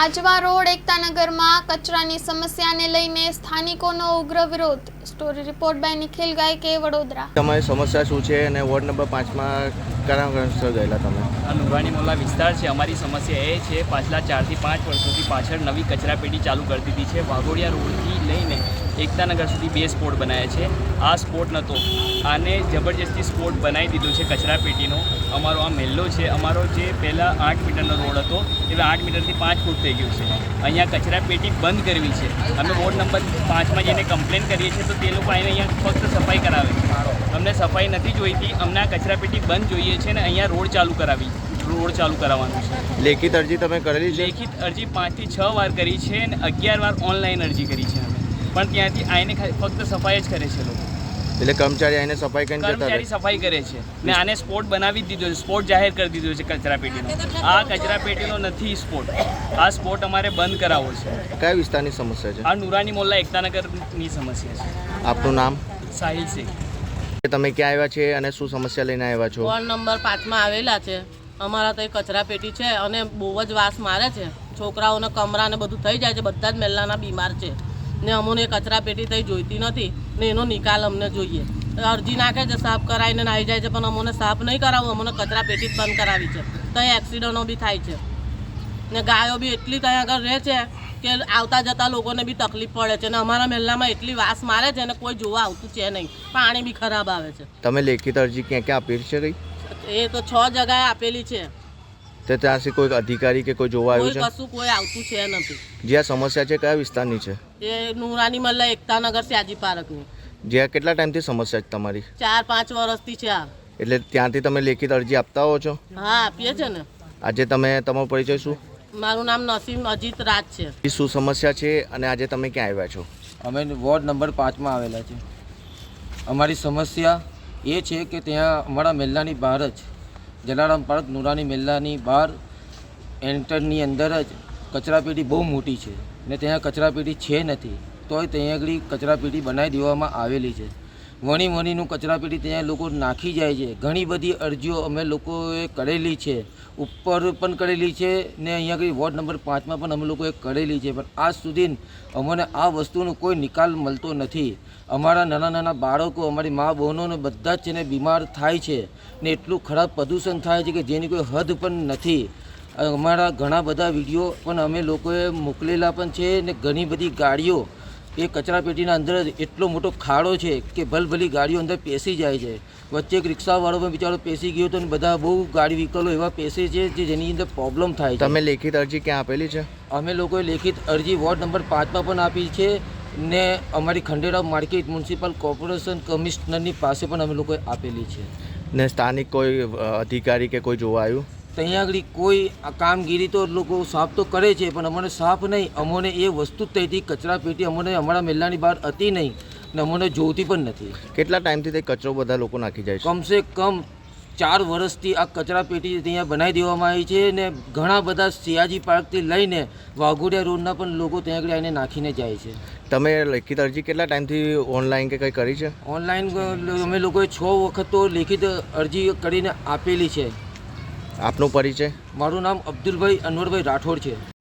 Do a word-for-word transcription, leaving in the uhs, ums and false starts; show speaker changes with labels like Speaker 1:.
Speaker 1: Ajwa road એકતાનગરમાં કચરાની સમસ્યાને લઈને સ્થાનિકોનો ઉગ્ર વિરોધ। Story report by Nikhil Gayake, Vadodara.
Speaker 2: તમારી સમસ્યા શું છે અને વોર્ડ નંબર પાંચમાં કયા કારણસર ગયેલા તમે?
Speaker 3: આ નુરાની મોલ્લા વિસ્તાર છે। અમારી સમસ્યા એ છે, પાછલા ચારથી પાંચ વર્ષોથી પાછળ નવી કચરાપેટી ચાલુ કરી દીધી છે। વાઘોડિયા રોડથી લઈને એકતાનગર સુધી બે સ્પોટ બનાવ્યા છે। આ સ્પોટ નહોતો, આને જબરજસ્તી સ્પોટ બનાવી દીધો છે કચરાપેટીનો। અમારો આ મહેલ્લો છે, અમારો જે પહેલાં આઠ મીટરનો રોડ હતો હવે આઠ મીટરથી પાંચ ફૂટ થઈ ગયું છે। અહીંયા કચરાપેટી બંધ કરવી છે। અમે વોર્ડ નંબર પાંચમાં જઈને કમ્પ્લેન કરીએ છીએ તો તે લોકો આવીને અહીંયા ફક્ત સફાઈ કરાવે છે। અમને સફાઈ નથી જોઈતી, અમને આ કચરાપેટી બંધ જોઈએ છે ને અહીંયા રોડ ચાલુ કરાવી રોડ ચાલુ કરાવવાનું છે।
Speaker 2: લેખિત અરજી તમે કરેલી છે?
Speaker 3: લેખિત અરજી પાંચથી છ વાર કરી છે અને અગિયાર વાર ઓનલાઈન અરજી કરી છે અમે, પણ ત્યાંથી આવીને ફક્ત સફાઈ જ કરે છે લોકો।
Speaker 2: એટલે કર્મચારી આવીને સફાઈ કરીને જતા રહે?
Speaker 3: કર્મચારી સફાઈ કરે છે ને આને સ્પોટ બનાવી જ દીધો છે, સ્પોટ જાહેર કરી દીધો છે કચરાપેટીનો। આ કચરાપેટીનો નથી સ્પોટ, આ સ્પોટ અમારે બંધ કરાવવો છે।
Speaker 2: કયા વિસ્તારની સમસ્યા છે?
Speaker 3: આ નુરાની મોલ્લા એકતાનગરની સમસ્યા છે।
Speaker 2: આપનું નામ?
Speaker 3: સાહિલ શેખ।
Speaker 2: તમે ક્યાં આવ્યા છે અને શું સમસ્યા લઈને આવ્યા છો?
Speaker 4: વોર્ડ નંબર પાંચમાં આવેલા છે। અમારા તો કચરાપેટી છે અને બહુ જ વાસ મારે છે। છોકરાઓને કમરા ને બધું થઈ જાય છે, બધા જ મહેલાના બીમાર છે ને અમને કચરાપેટી થઈ જોઈતી નથી ને એનો નિકાલ અમને જોઈએ। અરજી નાખે છે, સાફ કરાવીને આવી જાય છે, પણ અમને સાફ નહીં કરાવવું, અમને કચરાપેટી જ બંધ કરાવી છે। ત્યાં એક્સિડન્ટો બી થાય છે ને ગાયો બી એટલી ત્યાં આગળ રહે છે કે આવતા જતા લોકોને બી તકલીફ પડે છે ને અમારા મહેલામાં એટલી વાસ મારે છે ને કોઈ જોવા આવતું છે નહીં, પાણી બી ખરાબ આવે છે।
Speaker 2: તમે લેખિત અરજી ક્યાં ક્યાં આપેલી છે? કઈ
Speaker 4: એ તો છ જગાએ આપેલી છે,
Speaker 2: તો ત્યાંથી કોઈ અધિકારી કે કોઈ જોવા
Speaker 4: કોઈ
Speaker 2: આવ્યું છે?
Speaker 4: કશું કોઈ આવતું છે નથી।
Speaker 2: જે આ સમસ્યા છે કયા વિસ્તારની છે?
Speaker 4: એ નુરાની મલ્લા એકતાનગર સ્યાજી પાર્કની
Speaker 2: જે કેટલા ટાઈમથી સમસ્યા છે તમારી?
Speaker 4: ચાર પાંચ વર્ષથી છે આ।
Speaker 2: એટલે ત્યાંથી તમે લેખિત અરજી આપતા હો છો?
Speaker 4: હા આપીએ છે ને।
Speaker 2: આજે તમે તમારો પરિચય શું?
Speaker 4: મારું નામ નસીમ અજીત રાજ છે।
Speaker 2: એ શું સમસ્યા છે અને આજે તમે ક્યાં આવ્યા છો?
Speaker 5: અમે વોર્ડ નંબર પાંચમાં આવેલા છે। અમારી સમસ્યા એ છે કે ત્યાં અમારા મહેલાની બહાર જ જલારામ પાર્ક નુરાની મહેલાની બહાર એન્ટરની અંદર જ કચરાપેટી બહુ મોટી છે ને ત્યાં કચરાપેટી છે નથી, તોય ત્યાં આગળ કચરાપેટી બનાવી દેવામાં આવેલી છે। વણી વણીનું કચરાપેટી ત્યાં લોકો નાખી જાય છે। ઘણી બધી અરજીઓ અમે લોકોએ કરેલી છે, ઉપર પણ કરેલી છે ને અહીંયા આગળ વોર્ડ નંબર પાંચમાં પણ અમે લોકોએ કરેલી છે, પણ આજ સુધી અમને આ વસ્તુનો કોઈ નિકાલ મળતો નથી। અમારા નાના નાના બાળકો, અમારી મા બહેનોને બધા જ છે ને બીમાર થાય છે ને એટલું ખરાબ પ્રદૂષણ થાય છે કે જેની કોઈ હદ પણ નથી। અમારા ઘણા બધા વિડીયો પણ અમે લોકોએ મોકલેલા પણ છે ને ઘણી બધી ગાડીઓ એ કચરાપેટીના અંદર જ એટલો મોટો ખાડો છે કે ભલભલી ગાડીઓ અંદર પેસી જાય છે। વચ્ચે એક રિક્ષાવાળો પણ બિચારો પેસી ગયો હતો અને બધા બહુ ગાડી વ્હીકલો એવા પેસે છે જે જેની અંદર પ્રોબ્લેમ થાય છે।
Speaker 2: તમે લેખિત અરજી ક્યાં આપેલી છે?
Speaker 5: અમે લોકોએ લેખિત અરજી વોર્ડ નંબર પાંચમાં પણ આપી છે ને અમારી ખંડેરાવ માર્કેટ મ્યુનિસિપલ કોર્પોરેશન કમિશનરની પાસે પણ અમે લોકોએ આપેલી છે।
Speaker 2: ને સ્થાનિક કોઈ અધિકારી કે કોઈ જોવા આવ્યું?
Speaker 5: ત્યાં આગળ કોઈ આ કામગીરી તો લોકો સાફ તો કરે છે, પણ અમને સાફ નહીં, અમને એ વસ્તુ જ થઈ હતી કચરાપેટી અમને અમારા મહેલાની બહાર હતી નહીં ને અમને જોઈતી પણ નથી।
Speaker 2: કેટલા ટાઈમથી તે કચરો બધા લોકો નાખી જાય છે?
Speaker 5: કમસે કમ ચાર વર્ષથી આ કચરાપેટી ત્યાં બનાવી દેવામાં આવી છે ને ઘણા બધા સિયાજી પાર્કથી લઈને વાઘોડિયા રોડના પણ લોકો ત્યાં આગળ આવીને નાખીને જાય છે।
Speaker 2: તમે લેખિત અરજી કેટલા ટાઈમથી ઓનલાઈન કે કંઈ કરી છે?
Speaker 5: ઓનલાઈન અમે લોકોએ છ વખત તો લેખિત અરજી કરીને આપેલી છે।
Speaker 2: આપનો પરિચય?
Speaker 5: મારું નામ અબ્દુલભાઈ અનવરભાઈ રાઠોડ છે।